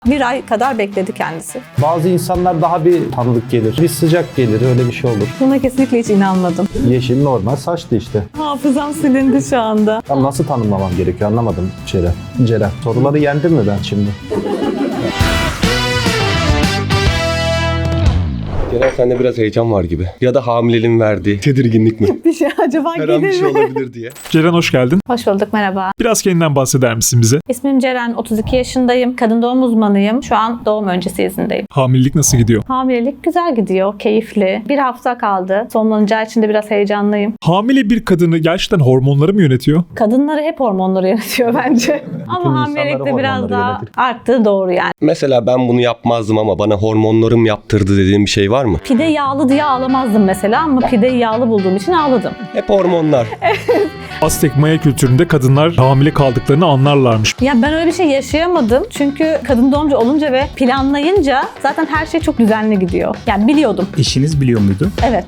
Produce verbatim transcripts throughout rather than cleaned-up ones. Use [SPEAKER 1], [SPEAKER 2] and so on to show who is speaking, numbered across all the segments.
[SPEAKER 1] Bir ay kadar bekledi kendisi.
[SPEAKER 2] Bazı insanlar daha bir tanıdık gelir. Bir sıcak gelir, öyle bir şey olur.
[SPEAKER 1] Buna kesinlikle hiç inanmadım.
[SPEAKER 2] Yeşil normal saçlı işte.
[SPEAKER 1] Hafızam silindi şu anda.
[SPEAKER 2] Tam nasıl tanımlamam gerekiyor anlamadım Ceren. Ceren. Soruları yendim mi ben şimdi?
[SPEAKER 3] Ceren sende biraz heyecan var gibi. Ya da hamileliğin verdiği tedirginlik mi?
[SPEAKER 1] Bir şey acaba
[SPEAKER 3] Her an bir
[SPEAKER 1] gelir
[SPEAKER 3] şey
[SPEAKER 1] mi?
[SPEAKER 3] olabilir diye.
[SPEAKER 4] Ceren hoş geldin.
[SPEAKER 1] Hoş bulduk, merhaba.
[SPEAKER 4] Biraz kendinden bahseder misin bize?
[SPEAKER 1] İsmim Ceren, otuz iki yaşındayım. Kadın doğum uzmanıyım. Şu an doğum öncesi izindeyim.
[SPEAKER 4] Hamilelik nasıl gidiyor?
[SPEAKER 1] Hamilelik güzel gidiyor, keyifli. Bir hafta kaldı. Sonlanacağı için de biraz heyecanlıyım.
[SPEAKER 4] Hamile bir kadını gerçekten hormonları mı yönetiyor?
[SPEAKER 1] Kadınları hep hormonları yönetiyor bence. Ama hamilelikte
[SPEAKER 2] insanları
[SPEAKER 1] biraz
[SPEAKER 2] hormonları
[SPEAKER 1] daha
[SPEAKER 2] yönetir.
[SPEAKER 1] arttığı doğru yani.
[SPEAKER 3] Mesela ben bunu yapmazdım ama bana hormonlarım yaptırdı dediğim bir şey var mı?
[SPEAKER 1] Pide yağlı diye ağlamazdım mesela ama pideyi yağlı bulduğum için ağladım.
[SPEAKER 3] Hep hormonlar.
[SPEAKER 4] Aztek Maya kültüründe kadınlar hamile kaldıklarını anlarlarmış.
[SPEAKER 1] Ya ben öyle bir şey yaşayamadım. Çünkü kadın doğumcu olunca ve planlayınca zaten her şey çok düzenli gidiyor. Yani biliyordum.
[SPEAKER 5] Eşiniz biliyor muydu?
[SPEAKER 1] Evet.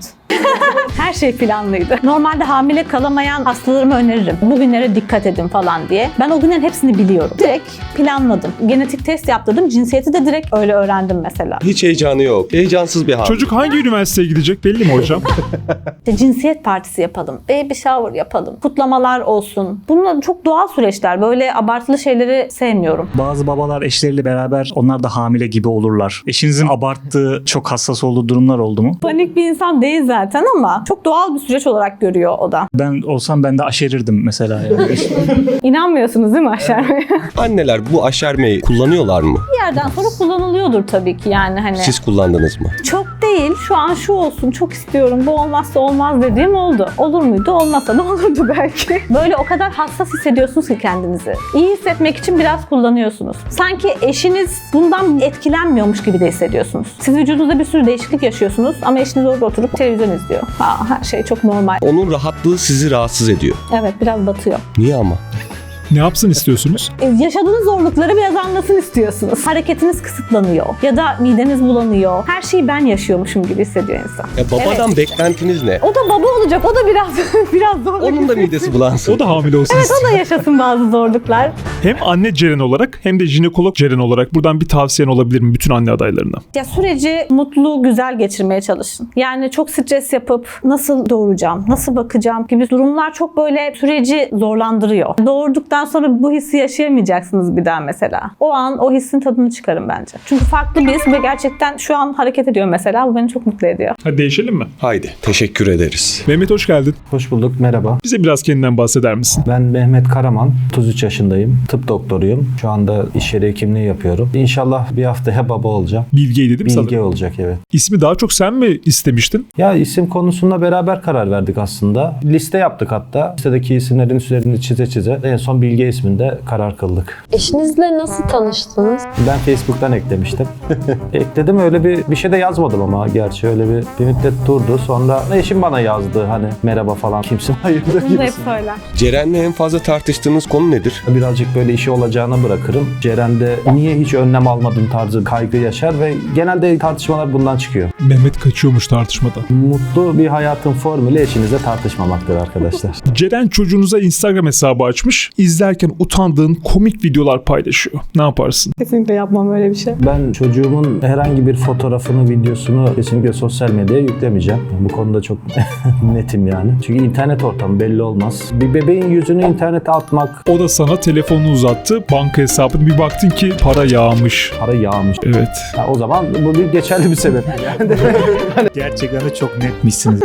[SPEAKER 1] Her şey planlıydı. Normalde hamile kalamayan hastalarıma öneririm. Bugünlere dikkat edin falan diye. Ben o günlerin hepsini biliyorum. Direkt planladım. Genetik test yaptırdım. Cinsiyeti de direkt öyle öğrendim mesela.
[SPEAKER 3] Hiç heyecanı yok. Heyecansız bir hamile.
[SPEAKER 4] Çocuk hangi üniversiteye gidecek belli mi hocam?
[SPEAKER 1] İşte cinsiyet partisi yapalım. Baby shower yapalım. Kutlamalar olsun. Bunlar çok doğal süreçler. Böyle abartılı şeyleri sevmiyorum.
[SPEAKER 5] Bazı babalar eşleriyle beraber onlar da hamile gibi olurlar. Eşinizin abarttığı, çok hassas olduğu durumlar oldu mu?
[SPEAKER 1] Panik bir insan değil zaten ama çok doğal bir süreç olarak görüyor o da.
[SPEAKER 5] Ben olsam ben de aşerirdim mesela. Yani.
[SPEAKER 1] İnanmıyorsunuz değil mi aşermeye?
[SPEAKER 3] Anneler bu aşermeyi kullanıyorlar mı?
[SPEAKER 1] Bir yerden sonra kullanılıyordur tabii ki yani hani.
[SPEAKER 3] Siz kullandınız mı?
[SPEAKER 1] Çok değil. Şu an şu olsun. Çok istiyorum. Bu olmazsa olmaz dediğim oldu. Olur muydu? Olmazsa da olurdu belki. Böyle o kadar hassas hissediyorsunuz ki kendinizi. İyi hissetmek için biraz kullanıyorsunuz. Sanki eşiniz bundan etkilenmiyormuş gibi de hissediyorsunuz. Siz vücudunuzda bir sürü değişiklik yaşıyorsunuz ama eşiniz orada oturup televizyon izliyor. Ha, her şey çok normal.
[SPEAKER 3] Onun rahatlığı sizi rahatsız ediyor.
[SPEAKER 1] Evet, biraz batıyor.
[SPEAKER 3] Niye ama?
[SPEAKER 4] Ne yapsın istiyorsunuz?
[SPEAKER 1] E, yaşadığınız zorlukları biraz anlasın istiyorsunuz. Hareketiniz kısıtlanıyor ya da mideniz bulanıyor. Her şeyi ben yaşıyormuşum gibi hissediyor insan.
[SPEAKER 3] Ya babadan
[SPEAKER 1] Evet.
[SPEAKER 3] beklentiniz ne?
[SPEAKER 1] O da baba olacak. O da biraz biraz zorluk.
[SPEAKER 3] Onun da midesi bulansın.
[SPEAKER 4] O da hamile olsun
[SPEAKER 1] Evet,
[SPEAKER 4] istiyor.
[SPEAKER 1] o da yaşasın bazı zorluklar.
[SPEAKER 4] Hem anne Ceren olarak hem de jinekolog Ceren olarak buradan bir tavsiyen olabilir mi bütün anne adaylarına?
[SPEAKER 1] Ya süreci mutlu, güzel geçirmeye çalışın. Yani çok stres yapıp nasıl doğuracağım, nasıl bakacağım gibi durumlar çok böyle süreci zorlandırıyor. Doğurduktan sonra bu hissi yaşayamayacaksınız bir daha mesela. O an o hissin tadını çıkarın bence. Çünkü farklı bir his ve gerçekten şu an hareket ediyor mesela. Bu beni çok mutlu ediyor.
[SPEAKER 4] Hadi değişelim mi?
[SPEAKER 3] Haydi teşekkür ederiz.
[SPEAKER 4] Mehmet hoş geldin.
[SPEAKER 2] Hoş bulduk, merhaba.
[SPEAKER 4] Bize biraz kendinden bahseder misin?
[SPEAKER 2] Ben Mehmet Karaman, otuz üç yaşındayım. Tıp doktoruyum. Şu anda iş yeri hekimliği yapıyorum. İnşallah bir haftaya baba olacağım.
[SPEAKER 4] Bilge'ydi değil mi
[SPEAKER 2] Bilge
[SPEAKER 4] sanırım?
[SPEAKER 2] olacak, evet.
[SPEAKER 4] İsmi daha çok sen mi istemiştin?
[SPEAKER 2] Ya isim konusunda beraber karar verdik aslında. Liste yaptık hatta. Listedeki isimlerin üstlerini çize çize en son Bilge isminde karar kıldık.
[SPEAKER 6] Eşinizle nasıl tanıştınız?
[SPEAKER 2] Ben Facebook'tan eklemiştim. Ekledim, öyle bir bir şey de yazmadım ama gerçi öyle bir, bir müddet durdu. Sonra eşim bana yazdı hani merhaba falan, kimsin, hayırdır
[SPEAKER 1] Bunu da hep
[SPEAKER 2] gibisin.
[SPEAKER 1] söyler.
[SPEAKER 3] Ceren'le en fazla tartıştığınız konu nedir?
[SPEAKER 2] Birazcık böyle işi olacağına bırakırım. Ceren'de niye hiç önlem almadın tarzı kaygı yaşar ve genelde tartışmalar bundan çıkıyor.
[SPEAKER 4] Mehmet kaçıyormuş tartışmadan.
[SPEAKER 2] Mutlu bir hayatın formülü eşinizle tartışmamaktır arkadaşlar.
[SPEAKER 4] Ceren çocuğunuza Instagram hesabı açmış. İzlerken utandığın komik videolar paylaşıyor. Ne yaparsın?
[SPEAKER 1] Kesinlikle yapmam öyle bir şey.
[SPEAKER 2] Ben çocuğumun herhangi bir fotoğrafını, videosunu kesinlikle sosyal medyaya yüklemeyeceğim. Bu konuda çok netim yani. Çünkü internet ortamı belli olmaz. Bir bebeğin yüzünü internete atmak,
[SPEAKER 4] O da sana telefonunu uzattı. Banka hesabını bir baktın ki para yağmış.
[SPEAKER 2] para yağmış.
[SPEAKER 4] Evet.
[SPEAKER 2] Ya o zaman bu bir geçerli bir sebep. Yani
[SPEAKER 5] Gerçekten de çok netmişsiniz.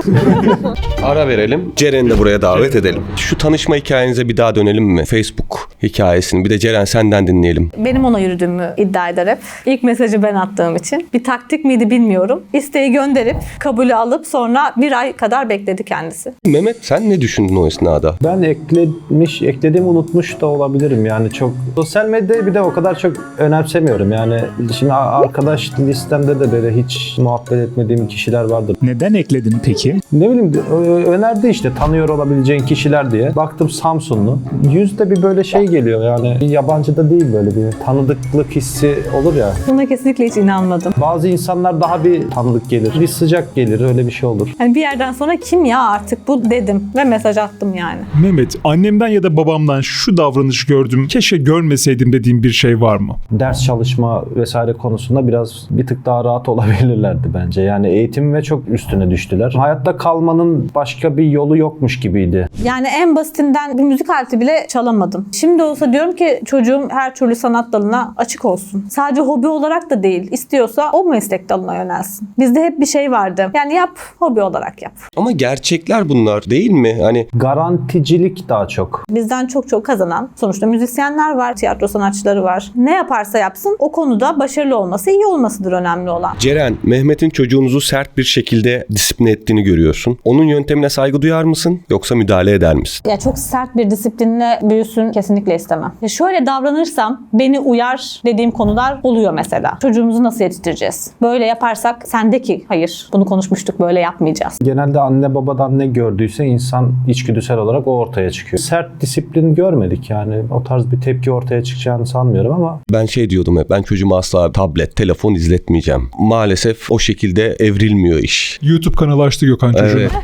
[SPEAKER 3] Ara verelim. Ceren'i de buraya davet edelim. Şu tanışma hikayenize bir daha dönelim mi? Facebook hikayesini. Bir de Ceren senden dinleyelim.
[SPEAKER 1] Benim ona yürüdüğümü iddia eder hep. İlk mesajı ben attığım için. Bir taktik miydi bilmiyorum. İsteği gönderip kabulü alıp sonra bir ay kadar bekledi kendisi.
[SPEAKER 3] Mehmet sen ne düşündün o esnada?
[SPEAKER 2] ben eklemiş, eklediğimi unutmuş da olabilirim yani çok. Sosyal medyayı bir de o kadar çok önemsemiyorum yani. Şimdi arkadaş listemde de böyle hiç muhabbet etmediğim kişiler vardır.
[SPEAKER 5] Neden ekledin peki?
[SPEAKER 2] Ne bileyim ö- önerdi işte tanıyor olabileceğin kişiler diye. Baktım Samsunlu. Yüzde görünce bir böyle şey geliyor yani. Bir yabancı da değil, böyle bir tanıdıklık hissi olur ya.
[SPEAKER 1] Buna kesinlikle hiç inanmadım.
[SPEAKER 2] Bazı insanlar daha bir tanıdık gelir. Bir sıcak gelir, öyle bir şey olur.
[SPEAKER 1] Yani bir yerden sonra kim ya artık bu dedim ve mesaj attım yani.
[SPEAKER 4] Mehmet, annemden ya da babamdan şu davranış gördüm, keşke görmeseydim dediğim bir şey var mı?
[SPEAKER 2] Ders çalışma vesaire konusunda biraz bir tık daha rahat olabilirlerdi bence. Yani eğitim ve çok üstüne düştüler. Hayatta kalmanın başka bir yolu yokmuş gibiydi.
[SPEAKER 1] Yani en basitinden bir müzik aleti bile çalamadım. Şimdi olsa diyorum ki çocuğum her türlü sanat dalına açık olsun. Sadece hobi olarak da değil. İstiyorsa o meslek dalına yönelsin. Bizde hep bir şey vardı. Yani yap, hobi olarak yap.
[SPEAKER 3] Ama gerçekler bunlar değil mi? Hani
[SPEAKER 2] Garanticilik daha çok.
[SPEAKER 1] Bizden çok çok kazanan sonuçta müzisyenler var, tiyatro sanatçıları var. Ne yaparsa yapsın o konuda başarılı olması, iyi olmasıdır önemli olan.
[SPEAKER 3] Ceren, Mehmet'in çocuğunuzu sert bir şekilde disipline ettiğini görüyorsun. Onun yöntemine saygı duyar mısın yoksa müdahale eder misin?
[SPEAKER 1] Ya çok sert bir disiplinle büyüsün kesinlikle istemem. Ya şöyle davranırsam beni uyar dediğim konular oluyor mesela. Çocuğumuzu nasıl yetiştireceğiz? Böyle yaparsak sendeki hayır. Bunu konuşmuştuk, böyle yapmayacağız.
[SPEAKER 2] Genelde anne babadan ne gördüyse insan içgüdüsel olarak o ortaya çıkıyor. Sert disiplin görmedik yani. O tarz bir tepki ortaya çıkacağını sanmıyorum ama
[SPEAKER 3] Ben şey diyordum hep, ben çocuğuma asla tablet, telefon izletmeyeceğim. Maalesef o şekilde evrilmiyor iş.
[SPEAKER 4] YouTube kanalı açtı Gökhan çocuğuna.
[SPEAKER 3] Evet.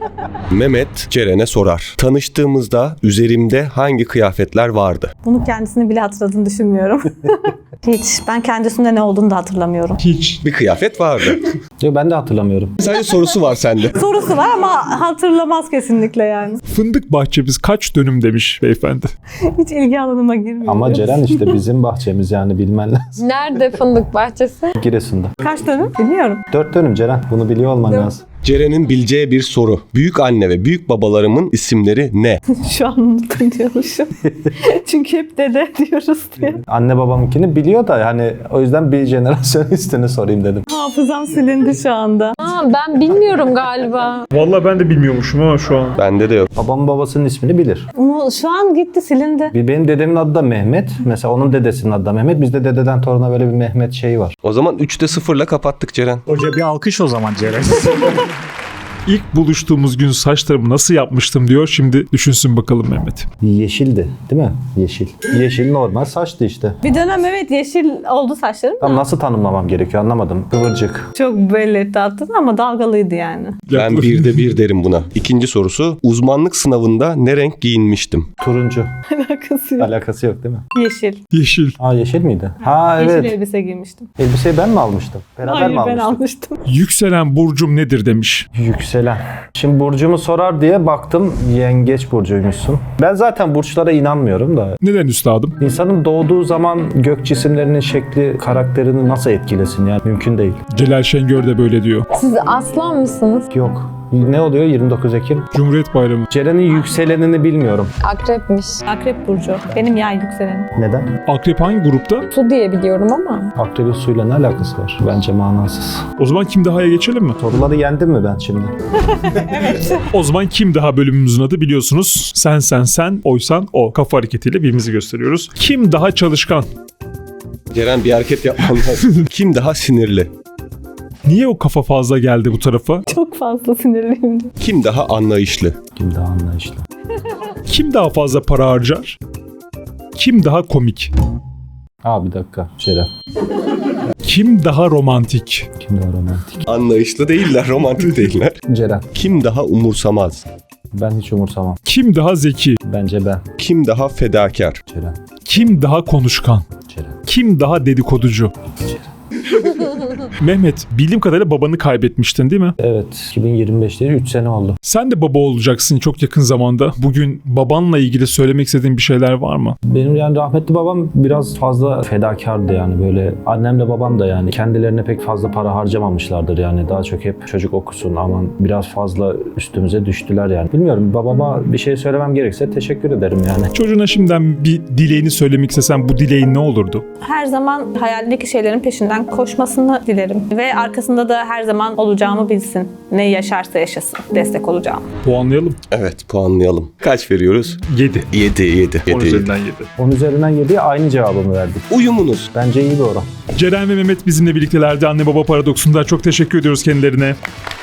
[SPEAKER 3] Mehmet Ceren'e sorar. Tanıştığımızda üzerimde hangi kıyafetler vardı?
[SPEAKER 1] Bunu kendisini bile hatırladığını düşünmüyorum. Hiç. Ben kendisinde ne olduğunu da hatırlamıyorum.
[SPEAKER 4] Hiç.
[SPEAKER 3] Bir kıyafet vardı.
[SPEAKER 2] yo, ben de hatırlamıyorum.
[SPEAKER 3] Sadece sorusu var sende.
[SPEAKER 1] Sorusu var ama hatırlamaz kesinlikle yani.
[SPEAKER 4] Fındık bahçemiz kaç dönüm demiş beyefendi.
[SPEAKER 1] Hiç ilgi alanıma girmiyor.
[SPEAKER 2] Ama Ceren işte bizim bahçemiz, yani bilmen lazım.
[SPEAKER 6] Nerede fındık bahçesi?
[SPEAKER 2] Giresun'da.
[SPEAKER 1] Kaç dönüm? Bilmiyorum.
[SPEAKER 2] Dört dönüm Ceren. Bunu biliyor olman lazım.
[SPEAKER 3] Ceren'in bileceği bir soru. Büyük anne ve büyük babalarımın isimleri ne?
[SPEAKER 1] Şu an unuttum diyormuşum. Çünkü hep dede diyoruz diye.
[SPEAKER 2] Anne babamınkini biliyor da yani o yüzden bir jenerasyon üstüne sorayım dedim.
[SPEAKER 1] Hafızam silindi şu anda.
[SPEAKER 6] Aa, ben bilmiyorum galiba.
[SPEAKER 4] Vallahi ben de bilmiyormuşum ama şu an.
[SPEAKER 3] Bende de yok.
[SPEAKER 2] Babamın babasının ismini bilir.
[SPEAKER 1] Ama şu an gitti, silindi.
[SPEAKER 2] Bir- Benim dedemin adı da Mehmet. Mesela onun dedesinin adı da Mehmet. Bizde dededen toruna böyle bir Mehmet şeyi var.
[SPEAKER 3] O zaman üçte sıfırla kapattık Ceren.
[SPEAKER 5] Hoca bir alkış o zaman Ceren.
[SPEAKER 4] İlk buluştuğumuz gün saçlarımı nasıl yapmıştım diyor. Şimdi düşünsün bakalım Mehmet.
[SPEAKER 2] Yeşildi değil mi? Yeşil. Yeşil normal saçtı işte.
[SPEAKER 1] Bir dönem evet yeşil oldu saçlarım.
[SPEAKER 2] Tam nasıl tanımlamam gerekiyor anlamadım. Kıvırcık.
[SPEAKER 1] Çok belli etti attın ama dalgalıydı yani.
[SPEAKER 3] Ben birde bir derim buna. İkinci sorusu. Uzmanlık sınavında ne renk giyinmiştim?
[SPEAKER 2] Turuncu.
[SPEAKER 1] Alakası yok.
[SPEAKER 2] Alakası yok değil mi?
[SPEAKER 1] Yeşil.
[SPEAKER 4] Yeşil.
[SPEAKER 2] Aa yeşil miydi? Ha
[SPEAKER 1] Yeşil
[SPEAKER 2] evet.
[SPEAKER 1] elbise giymiştim.
[SPEAKER 2] Elbiseyi ben mi almıştım? Beraber
[SPEAKER 1] Hayır
[SPEAKER 2] mi
[SPEAKER 1] ben
[SPEAKER 2] almıştık?
[SPEAKER 1] almıştım.
[SPEAKER 4] Yükselen burcum nedir demiş.
[SPEAKER 2] Yükselen. Şimdi burcumu sorar diye baktım, yengeç burcuymuşsun. Ben zaten burçlara inanmıyorum da.
[SPEAKER 4] Neden üstadım?
[SPEAKER 2] İnsanın doğduğu zaman gök cisimlerinin şekli karakterini nasıl etkilesin yani mümkün değil.
[SPEAKER 4] Celal Şengör de böyle diyor.
[SPEAKER 6] Siz aslan mısınız?
[SPEAKER 2] Yok. Ne oluyor yirmi dokuz Ekim?
[SPEAKER 4] Cumhuriyet Bayramı.
[SPEAKER 2] Ceren'in yükselenini bilmiyorum.
[SPEAKER 6] Akrepmiş.
[SPEAKER 1] Akrep burcu. Benim yay yükselenim.
[SPEAKER 2] Neden?
[SPEAKER 4] Akrep hangi grupta?
[SPEAKER 6] Su diye biliyorum ama.
[SPEAKER 2] Akrebin suyla ne alakası var? Bence manasız.
[SPEAKER 4] O zaman Kim Daha'ya geçelim mi?
[SPEAKER 2] Soruları yendim mi ben şimdi?
[SPEAKER 4] O zaman Kim Daha bölümümüzün adı biliyorsunuz. Sen sen sen, oysan o. Kafa hareketiyle birbirimizi gösteriyoruz. Kim daha çalışkan?
[SPEAKER 3] Ceren bir hareket yapman lazım. Kim daha sinirli?
[SPEAKER 4] Niye o kafa fazla geldi bu tarafa?
[SPEAKER 1] Çok fazla sinirliyim.
[SPEAKER 3] Kim daha anlayışlı?
[SPEAKER 2] Kim daha anlayışlı?
[SPEAKER 4] Kim daha fazla para harcar? Kim daha komik?
[SPEAKER 2] Aa bir dakika. Ceren.
[SPEAKER 4] Kim daha romantik?
[SPEAKER 2] Kim daha romantik?
[SPEAKER 3] Anlayışlı değiller, romantik değiller.
[SPEAKER 2] Ceren.
[SPEAKER 3] Kim daha umursamaz?
[SPEAKER 2] Ben hiç umursamam.
[SPEAKER 4] Kim daha zeki?
[SPEAKER 2] Bence ben.
[SPEAKER 3] Kim daha fedakar?
[SPEAKER 2] Ceren.
[SPEAKER 4] Kim daha konuşkan?
[SPEAKER 2] Ceren.
[SPEAKER 4] Kim daha dedikoducu? Mehmet, bildiğim kadarıyla babanı kaybetmiştin değil mi?
[SPEAKER 2] Evet. iki bin yirmi beşte üç sene oldu.
[SPEAKER 4] Sen de baba olacaksın çok yakın zamanda. Bugün babanla ilgili söylemek istediğin bir şeyler var mı?
[SPEAKER 2] Benim yani rahmetli babam biraz fazla fedakardı yani böyle. Annemle babam da yani kendilerine pek fazla para harcamamışlardır yani. Daha çok hep çocuk okusun aman biraz fazla üstümüze düştüler yani. Bilmiyorum babama bir şey söylemem gerekse teşekkür ederim yani.
[SPEAKER 4] Çocuğuna şimdiden bir dileğini söylemek istesen bu dileğin ne olurdu?
[SPEAKER 1] Her zaman hayalindeki şeylerin peşinden koşmasını dilerim. Ve arkasında da her zaman olacağımı bilsin. Ne yaşarsa yaşasın. Destek olacağım.
[SPEAKER 4] Puanlayalım.
[SPEAKER 3] Evet, puanlayalım. Kaç veriyoruz?
[SPEAKER 4] yedi.
[SPEAKER 3] yedi, yedi.
[SPEAKER 4] on üzerinden yedi.
[SPEAKER 2] on üzerinden yediye aynı cevabımı verdik.
[SPEAKER 3] Uyumunuz.
[SPEAKER 2] Bence iyi bir oran.
[SPEAKER 4] Ceren ve Mehmet bizimle birliktelerdi. Anne Baba Paradoksunda çok teşekkür ediyoruz kendilerine.